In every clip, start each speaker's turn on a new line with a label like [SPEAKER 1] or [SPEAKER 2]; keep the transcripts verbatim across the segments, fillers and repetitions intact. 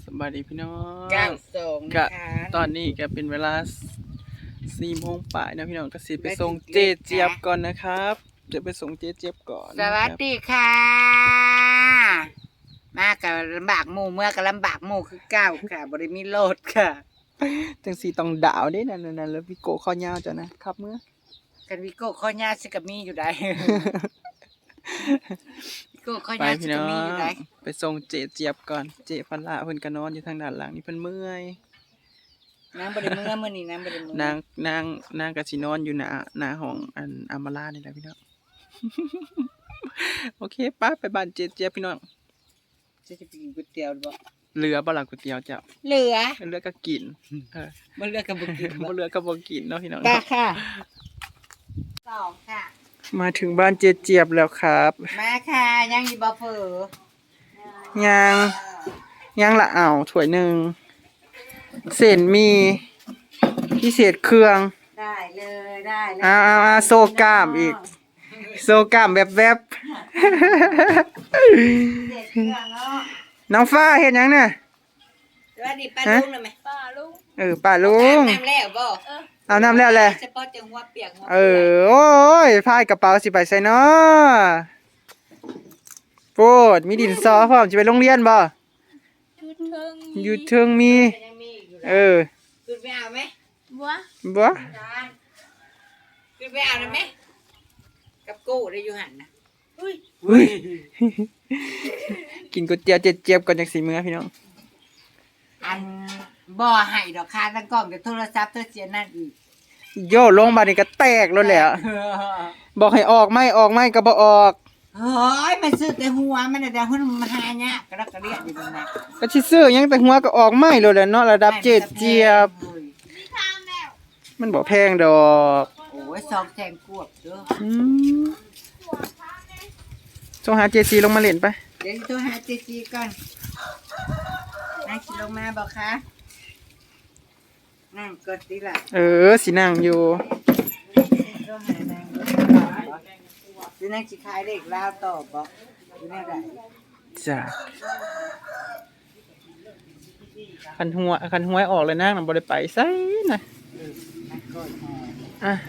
[SPEAKER 1] สบายดีพี่น้อง
[SPEAKER 2] เก้าสอง
[SPEAKER 1] กะ
[SPEAKER 2] นะคะ
[SPEAKER 1] ตอนนี้ก็เป็นเวลาสี่โมงป่ายนะพี่น้องก็สิไปส่งเจเจี๊ยบก่อนนะครับเดี๋ยวไปส่งเจเจี๊ยบก่อน
[SPEAKER 2] สวัสดีค่ะ มากับลำบากหมู่เมื่อกับลำบากหมู่คือเก้าค่ะบริมีโลดค่ะ
[SPEAKER 1] จังสีต้องดาวเด้นั่นนั่นแล้วพี่โกข้อยาวจ้ะนะครับเมื่อ
[SPEAKER 2] กันวิโก้ข้อยาสิกับมีอยู่ได้ วิโก้ข้อ
[SPEAKER 1] ไป
[SPEAKER 2] ยาสิ
[SPEAKER 1] พี่
[SPEAKER 2] กั
[SPEAKER 1] น้
[SPEAKER 2] บ
[SPEAKER 1] อ
[SPEAKER 2] มี
[SPEAKER 1] ง
[SPEAKER 2] อยู่ได้
[SPEAKER 1] ไปส่งเจเจี๊ยบก่อนเจพันละเพิ่นก็นอนอยู่ทางด้านหลังนี่เพิ่นเมื่อย
[SPEAKER 2] นางบริเมื่อเมื่อนี้นางบริเมื่อน
[SPEAKER 1] างนางนางก็สินอนอยู่หน้าหน้าห้องอันอามาลานี่แหละพี่น้อง โอเคป้าไปบ้านเจเจี๊ยบพี่น้อง
[SPEAKER 2] จะจะไปกินก๋วยเตี๋ยวบ่
[SPEAKER 1] เหลือบ่ล่ะก๋วยเตี๋ยวเจ้า
[SPEAKER 2] เหลือ
[SPEAKER 1] เหลือก็กินเออ
[SPEAKER 2] บ่เหลือกับบ่กินบ่
[SPEAKER 1] บ่เหลือก็บ่กินเนาะพี่น้อง
[SPEAKER 2] ตาค่ะสองค่ะ
[SPEAKER 1] มาถึงบ้านเจเจี๊ยบแล้วครับ
[SPEAKER 2] มาค่ะยังอยู่บ่เฟอ
[SPEAKER 1] ยังยังละอ้าวถ้วยหนึ่งเส้นมีพิเศษเครื่อง
[SPEAKER 2] ได้เลยได้เลย
[SPEAKER 1] อ้าวอ้าวอ้าวโซกล้ามอีก โซกล้ามแบบแวบ
[SPEAKER 2] เด็กเครื่องเนาะ
[SPEAKER 1] น้องฟ้าเห็นยังเนี่ย
[SPEAKER 2] สวัสดีป้าลุงเลยไหมป้าลุง
[SPEAKER 1] เออป้าลุง
[SPEAKER 2] น้ำแล้วบ่
[SPEAKER 1] เอาน้ำแล้วแหละ
[SPEAKER 2] เฉพาะจังหัวเปียกหัว
[SPEAKER 1] เออโอ้ยพายกระเป๋าสิไปใส่เนาะโปรดมีดินสอพร้อมจะไปโรงเรียนบ่อยู่เทิงมี
[SPEAKER 2] ยังมีอยู่
[SPEAKER 1] เออ
[SPEAKER 2] ขึ้นไปเอาไหม
[SPEAKER 3] บัว
[SPEAKER 1] บ่
[SPEAKER 2] จานขึ้นไปเอาได้ไหมกับกู้ได้อยู่หันนะอุ้ย
[SPEAKER 1] อุ้ย กินก๋วยเตี๋ยวเจ็บๆก่อนจากสีมือพี่น้อง
[SPEAKER 2] อันบ่ให้ดอกค่ะตั้งกล้องกับโทรศัพท์เธอเสียนั่นอีก
[SPEAKER 1] โย่ลงมานี่ก็แตกแล้วแหละบอกให้ออกไม่ออกไม่ก็บ่ออก
[SPEAKER 2] เฮ้ยมันซื้อแต่หัวมันแต่หัวมันหายากกระดักกระเดียดอยู่ตรงนั้น
[SPEAKER 1] ก็สิซื้อหยังแต่หัวก็ออกไม่แล้วแหละเนาะระดับเจ็ดเจี๊ยบ มันบ่แพงดอก
[SPEAKER 2] โอ้ยซองแจงกวบเด้อ
[SPEAKER 1] อืมส่งหาเจซีลงมาเล่นไป
[SPEAKER 2] เดี๋ยวโทรหาเจจีก่อนนั่งกินลงมาบอกคะนั่งกดดีละ
[SPEAKER 1] เออสินั่งอยู่
[SPEAKER 2] โทรหานางดูนางสิขายเด็กลาวต่อบอกดูแน่ได้
[SPEAKER 1] จ้ะคันหัวคันหัวออกเลยนะมันบ่ได้ไปไสนะ
[SPEAKER 2] นักกดหอ
[SPEAKER 1] อ่ะ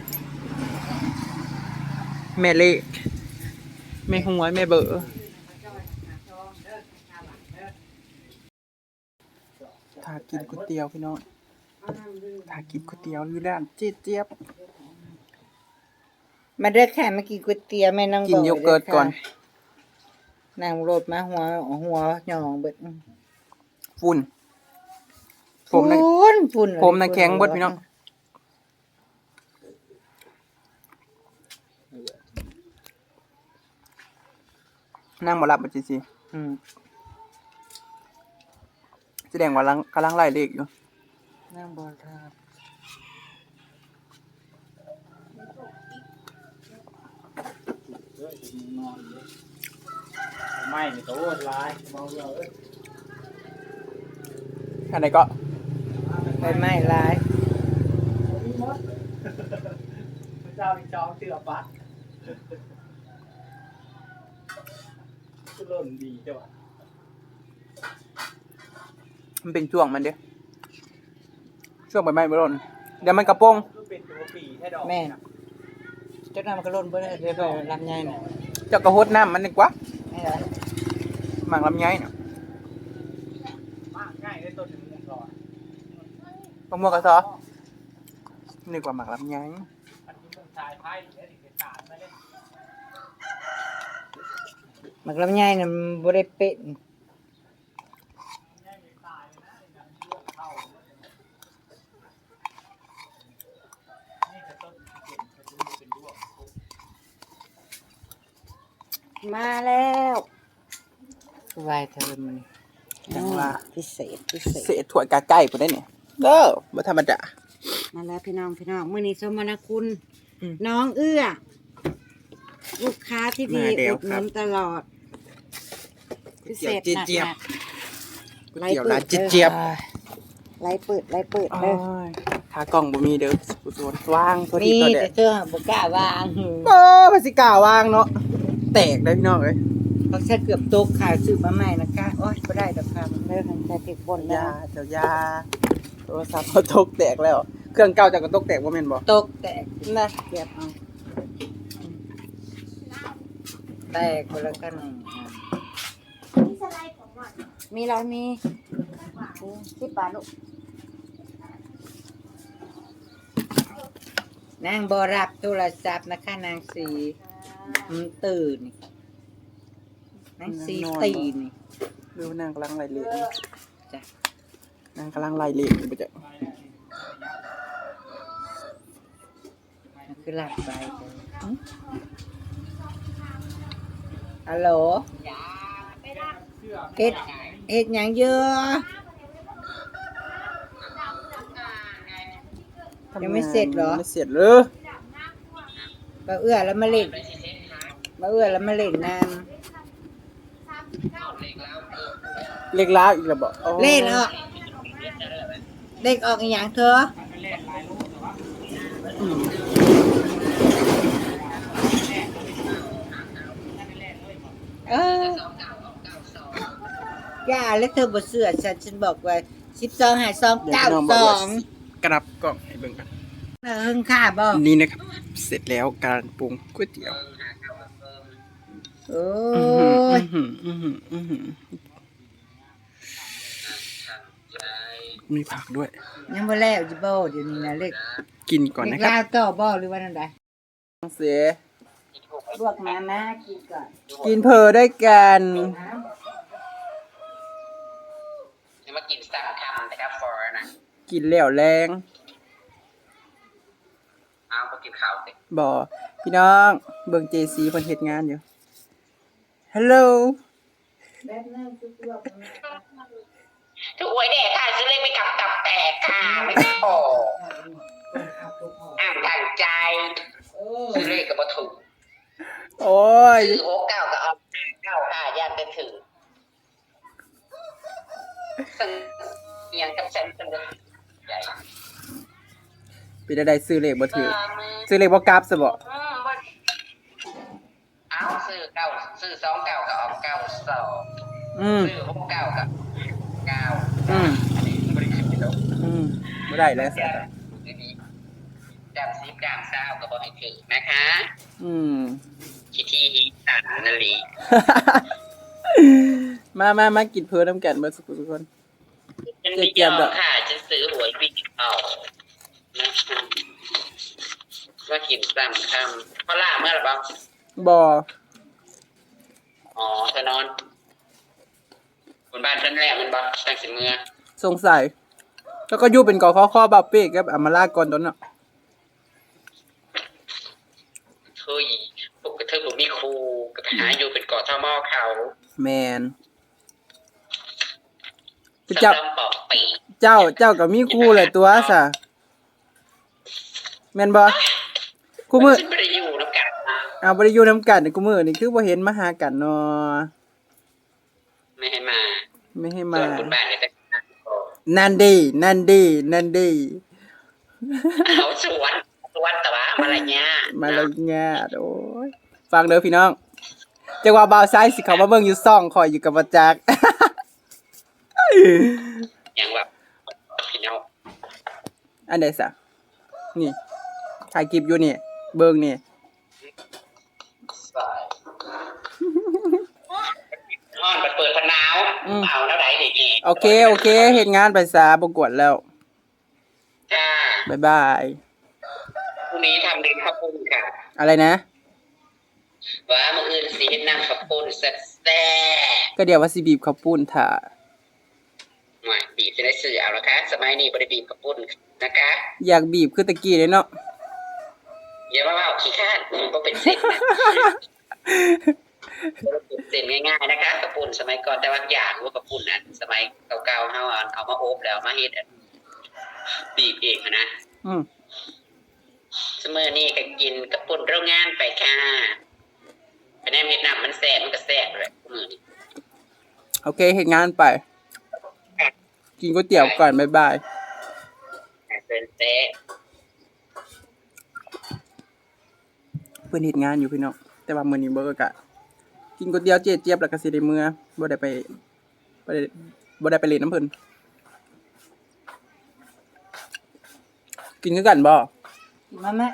[SPEAKER 1] แม่เล็กแม่หัวแม่เบอถ้ากินก๋วยเตี๋ยวพี่น้องถ้ากินก๋วยเตี๋ยวอยู่ร้านเจี๊ยบเจี๊ยบ
[SPEAKER 2] มาเด้อค่ะมากินก๋วยเตี๋ยวแม่น้อง
[SPEAKER 1] กินโยเกิร์ตก่อน
[SPEAKER 2] นางโรดมาหัวหัวหยองเบิด
[SPEAKER 1] ฝุ่นผ
[SPEAKER 2] ฝุ่
[SPEAKER 1] มนะ
[SPEAKER 2] นฝุ่น
[SPEAKER 1] ผมน่ะแข็งเบิดพี่น้อง นั่งบ่หลับบ่จิสิ
[SPEAKER 2] อืม
[SPEAKER 1] แสดงว่าลังกำลังไล่เลขอยู่
[SPEAKER 2] นางบอลทาบ
[SPEAKER 4] ไม่โตลายมองเราเอ้ย
[SPEAKER 1] อันไหนก็
[SPEAKER 2] ใบไม้ลาย
[SPEAKER 4] พระเจ้ามีจองเสือปัดก็เริ่มดีจ้ะ
[SPEAKER 1] มันเป็นช่วงมันเด้อช่วงใบไม้บ่ร่นเดี๋ยวมันกระโปรง
[SPEAKER 4] ก็เป็นตัวปีแค่ดอก
[SPEAKER 2] แม่เจ้าน้ำมันก็ล้นเบิดเลยเดี๋ยวไปรับใหญ่น่ะ
[SPEAKER 1] เจ้ากระโหดน้ำมันดีกว่า
[SPEAKER 2] ไม่เหรอ
[SPEAKER 1] หมากลำไยเนาะ
[SPEAKER 4] มากง่ายได้ต้นหนึ่งมุมก่อน
[SPEAKER 1] มะม่วงกระซอนึกว่าหมากลำไย
[SPEAKER 4] อันนี้มุมชายไพ่แล้วถึงจะตาดมาเล่น
[SPEAKER 2] มันลำใหญ่น่ะมันบ่ได้เป็ด
[SPEAKER 4] นี่จะต้นเก่งจะดูเป็นด้วง
[SPEAKER 2] มาแล้ววายเธอมันจังว่าพิเศษพิเศ
[SPEAKER 1] เศ
[SPEAKER 2] ษ
[SPEAKER 1] ษถั่วกาไก่พุ่นได้เนี่ยเด้อบ่ธรรมดา
[SPEAKER 2] มาแล้วพี่น้องพี่น้องมื้อนี้สมนาคุณ
[SPEAKER 1] อืม
[SPEAKER 2] น้องเอื้อ ลูกค้าที่ดี
[SPEAKER 1] มาแล้ว
[SPEAKER 2] อุดห
[SPEAKER 1] ครั
[SPEAKER 2] นุ
[SPEAKER 1] บ
[SPEAKER 2] นตลอด พิเศษ
[SPEAKER 1] เจี๊ยบ
[SPEAKER 2] หนัก
[SPEAKER 1] เจี๊ยบ
[SPEAKER 2] ๆไล่
[SPEAKER 1] เดี๋ยว
[SPEAKER 2] เปิ
[SPEAKER 1] ร้า
[SPEAKER 2] ด
[SPEAKER 1] นเจี๊ยบ
[SPEAKER 2] ด้อไล่เปิดไล่เปิด
[SPEAKER 1] โอ้
[SPEAKER 2] เด้อย
[SPEAKER 1] ขากล้องบ่มีเด้อผู้สวนว่างตัว
[SPEAKER 2] มี
[SPEAKER 1] ที่ตัวเด้
[SPEAKER 2] แต่
[SPEAKER 1] อ
[SPEAKER 2] เธอบ่กล้าวาง
[SPEAKER 1] โอ้ภาษีกล้าวางเนาะแตกได้พี่น้องเอ้ย
[SPEAKER 2] แเขาใช้เกือบตกขายซื้อมาใหม่นะคะโอ๊ยก็ได้ดอกค่ะมันเลิกกันใช้เก็บบน
[SPEAKER 1] ยา
[SPEAKER 2] ได้
[SPEAKER 1] เจ้ายาโทรศัพท์เขาตกแตกแล้ว เครื่องเก่าจากก็ตกแตกว่าแม่นบ่
[SPEAKER 2] ตกแตก
[SPEAKER 1] นะ
[SPEAKER 2] เก็บเอาแตกคนละกันหนึ่งมีอะไรมีสิบบาทลูกนางบรับโทรศัพท์นะคะนางสีมันตื่นนางสีตีนี่
[SPEAKER 1] ดูนางกำลังไล่เละ
[SPEAKER 2] จ้ะ
[SPEAKER 1] นางกำลังไล่เละอยู่บ่จ้ะ
[SPEAKER 2] มันคือหลับไปจ้ะฮัลโหลเฮ็ดเฮ็ดหยังเยอะ ยังไม่เสร็จเหรอ
[SPEAKER 1] ไม่เสร็จเลย
[SPEAKER 2] มาเอื้อแล้วมาเล่นมาเอื้อแล้วมาเล่นน้
[SPEAKER 1] เล็กล้าวอีกแล้วบ่อ๋อ
[SPEAKER 2] ำเล่นออกเด็กออกอีหยังเธอ
[SPEAKER 1] อืม
[SPEAKER 2] เออย่าแล้วเธอบ่เสือฉันฉันบอกว่าสิบสองหาสองเก้าสอง
[SPEAKER 1] กรับกล่องให้เบิ่งกัน
[SPEAKER 2] เออค่าบ่
[SPEAKER 1] นี่นะครับ เสร็จแล้วการปรุงก๋วยเตี๋ยว
[SPEAKER 2] โอ้
[SPEAKER 1] อื้
[SPEAKER 2] ย
[SPEAKER 1] อหืออื้อหืออื้อหือมีผักด้วย
[SPEAKER 2] ยังบ่แล้วจิบ่เดี๋ยวนี้นะเล็ก
[SPEAKER 1] กินก่อน
[SPEAKER 2] เล็
[SPEAKER 1] นะ
[SPEAKER 2] ก
[SPEAKER 1] ครับ
[SPEAKER 2] ลาวต่อบ่หรือว่านั่นใด
[SPEAKER 1] เสีย
[SPEAKER 2] ลวกมานะกินก่อน
[SPEAKER 1] กินเพอด้วยกัน
[SPEAKER 3] จะมากินสั่งคำนะครับฟอร์นะ
[SPEAKER 1] กินแล้วแรง
[SPEAKER 3] เอาไปกินข้าวสิ
[SPEAKER 1] บ่พี่น้อง เบิ่งเจซีเพิ่นเฮ็ดงานอยู่ ฮัลโหล
[SPEAKER 2] แป๊บนึงคือลวกมา
[SPEAKER 3] ถูกหวยแดกค่ะซื้อเลขไม่กลับตับแตกค่ะไม่พออ่านทางใจ
[SPEAKER 2] เออ
[SPEAKER 3] ซื้อเลขกับวัตถุ
[SPEAKER 1] โอ้ย
[SPEAKER 3] ซื้อโอ๊กเก้ากับเอาเก้าค่ะย่านเป็นถึงซึ่งเอียงกับฉันเป็นใหญ่
[SPEAKER 1] เป็นได้ซื้อเลขบ่ถือซื้อเลขบ่กลับซะบ่
[SPEAKER 3] อืมบ่เอาซื้อเก้าซื้อสองเก้ากับเอาเก้าสอง
[SPEAKER 1] อืม
[SPEAKER 3] ซื้อหกเก้ากับเก้า
[SPEAKER 1] อืม
[SPEAKER 3] อันนี้บริขึ้นไปแล้ว
[SPEAKER 1] อืมบ่ได้แล้ว
[SPEAKER 3] ด
[SPEAKER 1] ซะ
[SPEAKER 3] ดำซิบดำเศร้าก็บอกให้ถือนะคะ
[SPEAKER 1] อืม
[SPEAKER 3] คิดที่ฮิตันนาลี
[SPEAKER 1] มามามากินเพอน้ำกันเบิดสุกทุกคน
[SPEAKER 3] ฉันไม่ยอมค่ะฉันซื้อหวยวิกเอานะคะว่ากินซ้ำคำเพราะล่าเมื่อไหร่บ้าง
[SPEAKER 1] บ่
[SPEAKER 3] อ๋อเธอนอนบนบ้านฉันแหละมันบ้าตั้งสิเมื่อ
[SPEAKER 1] สงสัย แล้วก็อยู่เป็นกอข้อข้อบาเป้กับอำมาลาก่อนตอนน่ะ
[SPEAKER 3] เฮ้ยพวกกระเทยผมมีครูกับหาอยู่เป็นเกาะท่อหม้อเขา
[SPEAKER 1] แมนเจ้า
[SPEAKER 3] สำหรับปอกปี
[SPEAKER 1] เจ้าเจ้าก็มีคู่เลยตัวซะแม่นบ่กูมือ
[SPEAKER 3] ฉันไม่ได้อยู่น้ำกันนะ
[SPEAKER 1] เอาบ่ได้อยู่นํกันกูมือนี่คือบ่เห็นมาหากันเนาะ
[SPEAKER 3] ไม่ให้มา
[SPEAKER 1] ไม่ให้
[SPEAKER 3] ส่
[SPEAKER 1] มา
[SPEAKER 3] วนบนบ้านเนี่ยจะ
[SPEAKER 1] นั่นดีนั่นดีนั่นดี
[SPEAKER 3] เอาสวนสวนแต่ว่ามาอะไรเงี้ย
[SPEAKER 1] มาเลยญาติโอ้ยฟังเด้อพี่น้องจังว่าบ่าวซ้ายสิเขามาเบิ่งอยู่ซ่องคอยอยู่กับบ่จัก
[SPEAKER 3] อย่างแบบพี่น้อง
[SPEAKER 1] อันใดซะนี่ถ่ายคลิปอยู่นี่เบิ่งนี่
[SPEAKER 3] ห้อนเปิดพนาวเอาแล้วไหนดิ
[SPEAKER 1] โอเคโอเคเฮ็ดงานไปซะบ่กวนแล้ว
[SPEAKER 3] จ้า
[SPEAKER 1] บ๊ายบาย
[SPEAKER 3] พรุ่งนี้ทำเดินข้าวปุ้นค่ะ
[SPEAKER 1] อะไรนะ
[SPEAKER 3] ว่ามื่ออื่นสีเห็นน้ำข้าวปุ้นแซ่บ
[SPEAKER 1] ก็เดี๋ยวว่าสิบีบข้าวปุ้นถ่า
[SPEAKER 3] ๆหน่อยบีบจะได้สื่อเอาละคะสมัยนี้บริบีบข้าวปุ้นนะคะ
[SPEAKER 1] อยากบีบคือตะกี้เลยเนาะ
[SPEAKER 3] อย่ามาว่าขี้ข้านมันก็เป็นเส้นนะเส้นง่ายๆนะคะข้าวปุ้นสมัยก่อนแต่ว่าอย่างว่าข้าวปุ้นนะสมัยเก่าๆเขาเอามาโอบแล้วมาเฮ็ดบีบเองนะ
[SPEAKER 1] อืม
[SPEAKER 3] สมัยนี้ก็กินข้าวปุ้นโรงงานไปค่ะคะแนนเวียดนามมันแซ่บมันก็แซ่บเลยมือนี้
[SPEAKER 1] โอเคเฮ็ดงานไป กินก๋วยเตี๋ยวก่อนบ๊ายบาย
[SPEAKER 3] เป็นแซ่บ
[SPEAKER 1] เพิ่นเฮ็ดงานอยู่พี่น้องแต่ว่ามื้อนี้บ่ก็กะกินก๋วยเตี๋ยวเจ๊เจี๊ยบแล้วก็สิได้เมื่อบ่ได้ไปบ่ได้บ่ได้ไปเล่นน้ำเพิ่นกินคือกันบ่
[SPEAKER 2] มาแม่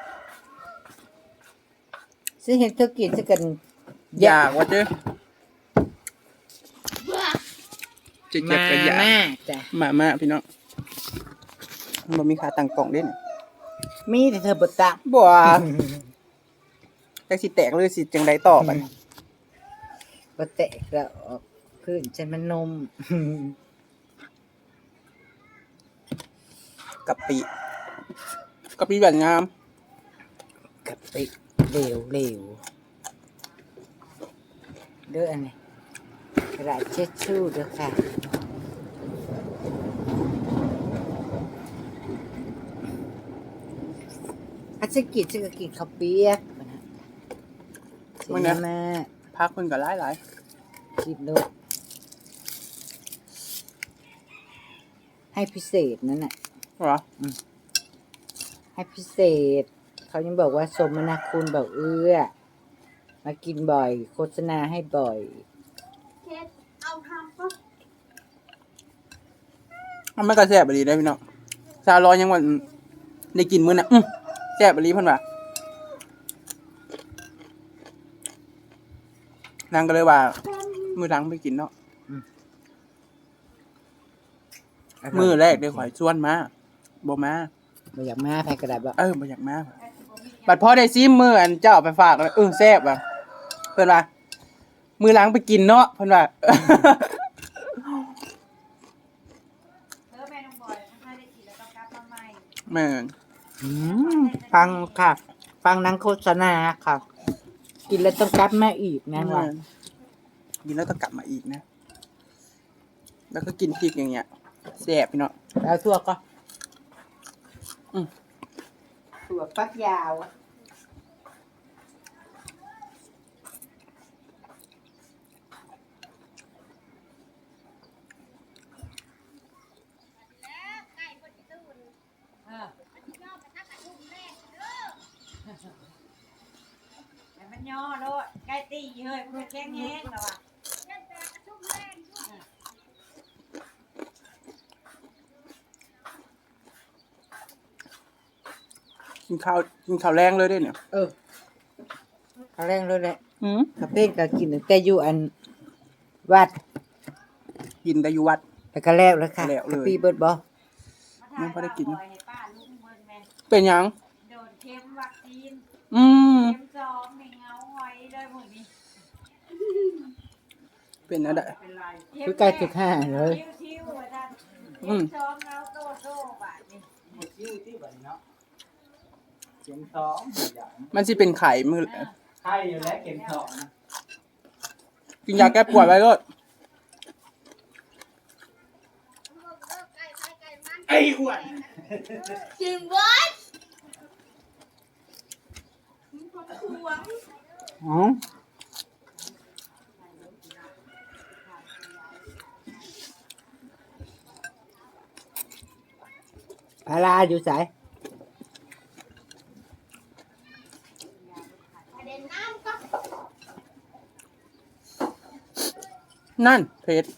[SPEAKER 2] ซื้อเห็ดเธอกินสักกัน
[SPEAKER 1] อยากว่าเจ้เจ๊เจี๊ยบก็อยาก
[SPEAKER 2] มาจ้ะ
[SPEAKER 1] มามาพี่น้องบ่มีค่าตั้งกล่องเด้นี่
[SPEAKER 2] มีแต่เธอบ่ตัก
[SPEAKER 1] บ่จักสิแตกเลยสิจังไดต่อบัด
[SPEAKER 2] บ่แตกแล้วออกพื้นฉันมันนม
[SPEAKER 1] กะปิกะปิแบบงาม
[SPEAKER 2] กะปิเหลวเหลวเด้ออันนี้กระดาษเช็ดชู่เด้อค่ะอาจจะกินจะกินข้าวเปียกนะเสียแม่
[SPEAKER 1] พักเพิ่นก็หลายหลาย
[SPEAKER 2] กินโลดให้พิเศษนั่นน่ะ
[SPEAKER 1] เหรอ
[SPEAKER 2] ให้พิเศษ เขายังบอกว่าสมนาคุณบอกเอื้อ มากินบ่อย โฆษณาให้บ่อย
[SPEAKER 1] มันก็แซ่บอีหลีได้อพี่น้องซาลอยยังว่าได้กินมื้อน่ะอื้อแซ่บอีหลีเพิ่นว่านางก็เลยว่ามื้อหลังไปกินเนาะ มื้อแรกได้ข่อยชวนมาบ่มา
[SPEAKER 2] บ่อยากมาแพ้กระดาษบอก
[SPEAKER 1] เออบ่อยากมาบัดพอได้ซิมมื้ออันเจ้าเอาไปฝากแล้วเออแซ่บว่ะเพิ่นว่ามื้อหลังไปกินเนาะเพิ่นว่า แม่น
[SPEAKER 2] อืมฟังค่ะ ฟังนังโฆษณาค่ะ กินแล้วต้องกลับมาอีกนะว่า
[SPEAKER 1] กินแล้วต้องกลับมาอีกนะ แล้วก็กินพริกอย่างเงี้ยแซ่บพี่น้อง
[SPEAKER 2] แล้วทั่วก็
[SPEAKER 1] อืม
[SPEAKER 2] ถั่วฟักยาวอะมันย่อโลดใกล้ตีเฮ้ยมันแข็งแห้งแล้วอ่ะ
[SPEAKER 1] กินข้าวกินข้าวแรงเลยเด้เนี่ย
[SPEAKER 2] เออเขาแรงเลยแหละ
[SPEAKER 1] อืม
[SPEAKER 2] กาเฟ่ก็กินตั้งแต่อยู่อันวัด
[SPEAKER 1] กินแต่อยู่วัด
[SPEAKER 2] แล้วก็แล้วแล้วค่ะ
[SPEAKER 1] แล้วเลย
[SPEAKER 2] กะปีเบิดบ่
[SPEAKER 1] ยังบ่ได้กิน เป็นหยัง
[SPEAKER 5] โดนเข็มวัคซีน
[SPEAKER 1] อืม
[SPEAKER 5] เข็มสองในเงาหอยเลยหมดนี้
[SPEAKER 1] เป็นอะไร
[SPEAKER 2] คือใกล้ถึงห้าเลย
[SPEAKER 5] ชิวๆว่าท่าน
[SPEAKER 1] อื
[SPEAKER 5] เข็
[SPEAKER 1] ม
[SPEAKER 5] มสองเงาโตโตบาดนี่
[SPEAKER 4] หมดชื่อที่บัดนี้เนาะเข็มสองอย่าง
[SPEAKER 1] มันสิเป็นไข่มือ
[SPEAKER 4] ไข่อยู่แล้วเข็มสองนะ
[SPEAKER 1] กินยาแก้ปวดไว้ก็
[SPEAKER 4] ไอ้อ้วน
[SPEAKER 5] จึงวัด
[SPEAKER 2] อ๋อพาราอยู่ไส
[SPEAKER 1] นั่นเพชร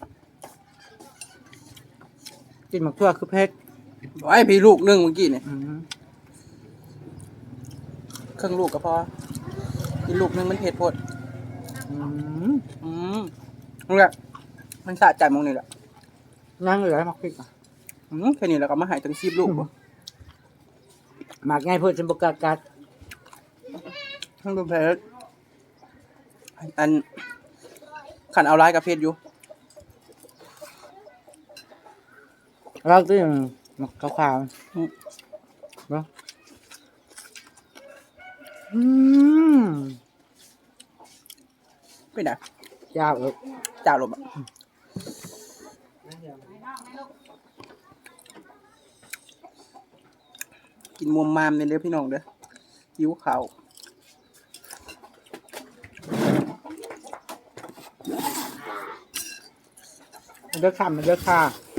[SPEAKER 2] กินหมักทั่วคือเพชร
[SPEAKER 1] ไอ้พี่ลูกหนึงเมื่อกี้เนี่ย
[SPEAKER 2] อืม
[SPEAKER 1] ครึ่งลูกก็พอกินลูกหนึงมันเผ็ดโพด
[SPEAKER 2] อืม
[SPEAKER 1] อืมนี่แหละมันสะใจมองนี่แหละ
[SPEAKER 2] นั่งเหลือหมักพริกอ่ะ
[SPEAKER 1] อืมแค่นี้แล้วก็มาใหายตั้งสิบลูกบ่
[SPEAKER 2] หมักง่ายเพื่อจะบกล้ากัด
[SPEAKER 1] ทั้งดูเพชรอันขันเอาลายกับเพชรอยู่
[SPEAKER 2] เราตัวอย่างหมักขาวๆ
[SPEAKER 1] อืม
[SPEAKER 2] เนาะอืม
[SPEAKER 1] เป็นไง
[SPEAKER 2] ยาวเออ
[SPEAKER 1] จ่าลมอ่ะกินมวมมามเนี่ยเด้อพี่น้องเด้อหิวข้าว
[SPEAKER 2] มันเลือกค่ะมันเลือกค่ะ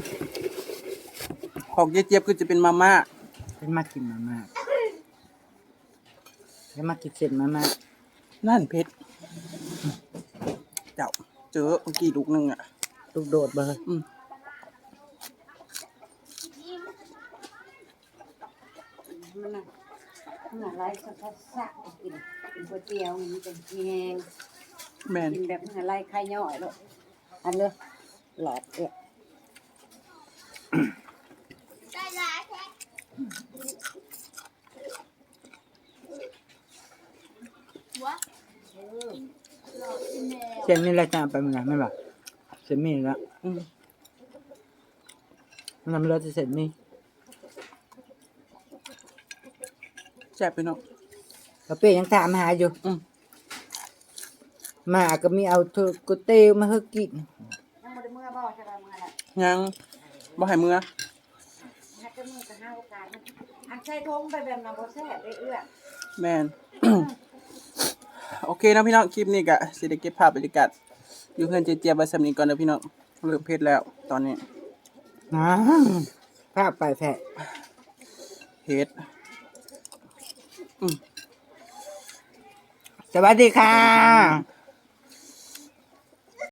[SPEAKER 1] ของเจี๊ยบๆคือจะเป็นมาม่า
[SPEAKER 2] เป็นมากินมาม่าแล้วมากินเสร็จมาม่า
[SPEAKER 1] นั่นเพชรเจอเมื่อกี้ลูกหนึงอ่ะ
[SPEAKER 2] ลูกโดดเบอร์
[SPEAKER 1] อืม
[SPEAKER 5] มันน่ะมันน่ะไรสักสักสักกินกินก๋วยเตี๋ยวมันเป็นแห้ง
[SPEAKER 1] แม่น
[SPEAKER 5] กินแบบมันอะไรไข่ย่อยลูกอันเลยหลอดเอ๊ะ
[SPEAKER 2] เส้นนี่แหละจะเอาไปมันไงไม่บอกเส้นหมี่แล้ว
[SPEAKER 1] อืม
[SPEAKER 2] มันทำเราจะเสร็จนี่
[SPEAKER 1] แซ่บพี่น้อง
[SPEAKER 2] เราเป้ยังถามหาอยู่
[SPEAKER 1] อืม
[SPEAKER 2] หมาก็มีเอาเธอกุเตลมาให้กิน
[SPEAKER 5] ยังบ่ได้เมื่อบ่ใช่ป่ะเมื่อละ
[SPEAKER 1] ยังบ่ให้มือ
[SPEAKER 5] ฮักจะมือกับห้าโอกาสมันอันใส่ทงไปแบบนั้นบ่แซ่บได้เอื้อ
[SPEAKER 1] แม่น โอเคนะพี่น้องคลิปนี้ก็สิได้เก็บภาพบรรยากาศอยู่เพื่อนเจี๊ยบๆไว้สำนี้ก่อนนะพี่น้องเริ่มเผ็ดแล้วตอนนี้
[SPEAKER 2] นะภาพไปแผะ
[SPEAKER 1] เผ็ด
[SPEAKER 2] สวัสดีค่ะ